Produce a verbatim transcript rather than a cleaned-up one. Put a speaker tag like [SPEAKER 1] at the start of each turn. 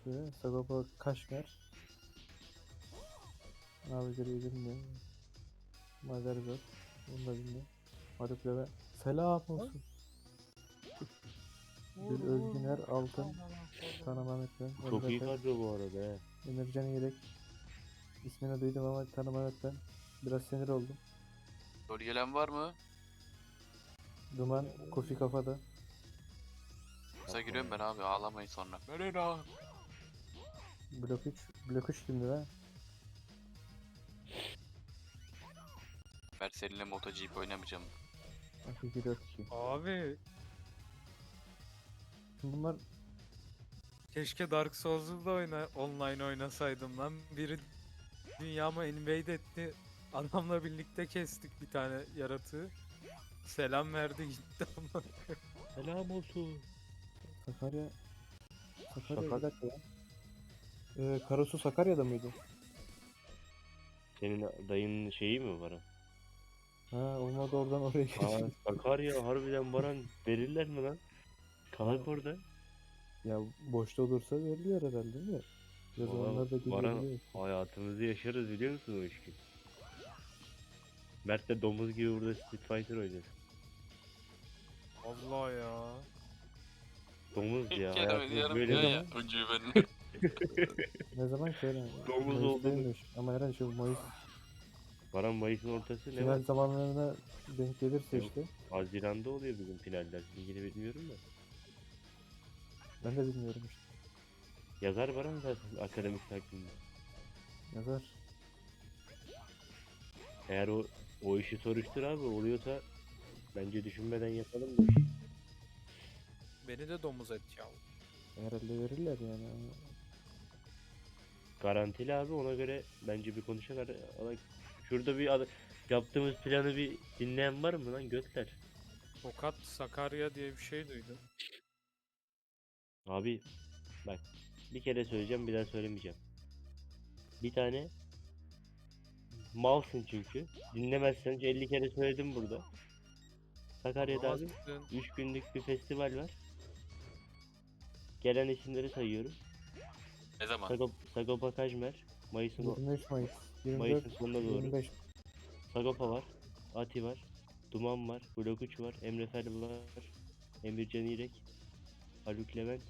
[SPEAKER 1] Sagopa, Sagopa Kaşmer. Navigary'i bilmiyorum. Magarizot. Onu da bilmiyorum. Haluk Levent. Selam olsun. Gül Özgüner Altın. Tanımam etmem.
[SPEAKER 2] Çok iyi
[SPEAKER 1] Emre Tek.
[SPEAKER 2] kadro bu arada he.
[SPEAKER 1] Emircan Yelek. İsmini duydum ama tanımam etmem. Biraz sinir oldum.
[SPEAKER 3] Rol gelen var mı?
[SPEAKER 1] Duman Kofi Kafada.
[SPEAKER 3] Kısa giriyorum ben abi, ağlamayın sonra. Merhaba.
[SPEAKER 1] Blok üç. Blok üç kimdi lan?
[SPEAKER 3] Ben seninle MotoGP oynamayacağım.
[SPEAKER 1] iki dört iki.
[SPEAKER 4] Abi
[SPEAKER 1] Şimdi bunlar
[SPEAKER 4] keşke Dark Souls'u da oyna, online oynasaydım lan. Biri dünyamı invade etti. Adamla birlikte kestik bir tane yaratığı. Selam verdi gitti ama.
[SPEAKER 2] Selam olsun.
[SPEAKER 1] Sakarya. Sakarya
[SPEAKER 2] Sakar-
[SPEAKER 1] bir dakika ya. Ee, Karasu Sakarya'da mıydı?
[SPEAKER 2] Senin dayının şeyi mi var?
[SPEAKER 1] Ha olmadı oradan oraya
[SPEAKER 2] Aa,
[SPEAKER 1] geçeyim.
[SPEAKER 2] Sakarya harbiden Baran verirler mi lan? Kalak orada.
[SPEAKER 1] Ya boşta olursa veriliyor herhalde değil mi? Ya
[SPEAKER 2] Valla
[SPEAKER 1] zamanlar da
[SPEAKER 2] Baran
[SPEAKER 1] gidebiliyor.
[SPEAKER 2] hayatımızı yaşarız biliyor musun o işi? Mert de domuz gibi burada Street Fighter oynuyor.
[SPEAKER 4] Allah ya.
[SPEAKER 2] Domuz ya
[SPEAKER 3] Kendimi
[SPEAKER 2] hayatımız
[SPEAKER 3] yarım
[SPEAKER 2] böyle.
[SPEAKER 3] diyor
[SPEAKER 1] mi?
[SPEAKER 3] ya. Önce ben.
[SPEAKER 1] Ne zaman ki öyle?
[SPEAKER 2] Domuz
[SPEAKER 1] Mayıs'taymış. Ama herhalde şu Mayıs
[SPEAKER 2] Baran Mayıs'ın ortası ne
[SPEAKER 1] final
[SPEAKER 2] var?
[SPEAKER 1] zamanlarına denk gelirse
[SPEAKER 2] Yok.
[SPEAKER 1] işte.
[SPEAKER 2] Haziran'da oluyor bugün finaller. İlgili bilmiyorum da.
[SPEAKER 1] Ben de bilmiyorum işte.
[SPEAKER 2] Yazar Baran zaten akademik takvimde.
[SPEAKER 1] Yazar.
[SPEAKER 2] Eğer o o işi soruştur abi oluyorsa bence düşünmeden yapalım bu işi.
[SPEAKER 4] Beni de domuz et ya.
[SPEAKER 1] Herhalde verirler yani.
[SPEAKER 2] Garantili abi ona göre bence bir konuşalım. Ala- Şurada bir ad- yaptığımız planı bir dinleyen var mı lan götler?
[SPEAKER 4] Tokat Sakarya diye bir şey duydum.
[SPEAKER 2] Abi bak bir kere söyleyeceğim bir daha söylemeyeceğim. Bir tane malsın çünkü. Dinlemezsen elli kere söyledim burada. Sakarya'da abi
[SPEAKER 4] Anlamazsın.
[SPEAKER 2] üç günlük bir festival var. Gelen isimleri sayıyorum.
[SPEAKER 3] Ne zaman?
[SPEAKER 2] Sagop Sagopa Kajmer, Mayıs'ın o-
[SPEAKER 1] yirmi üç Mayıs. yirmi
[SPEAKER 2] Mayıs'ın
[SPEAKER 1] dört.
[SPEAKER 2] sonuna doğru.
[SPEAKER 1] yirmi beş.
[SPEAKER 2] Sagopa var, Ati var, Duman var, Blok üç var, Emre Fel var, Emircan İrek, Haluk Levent,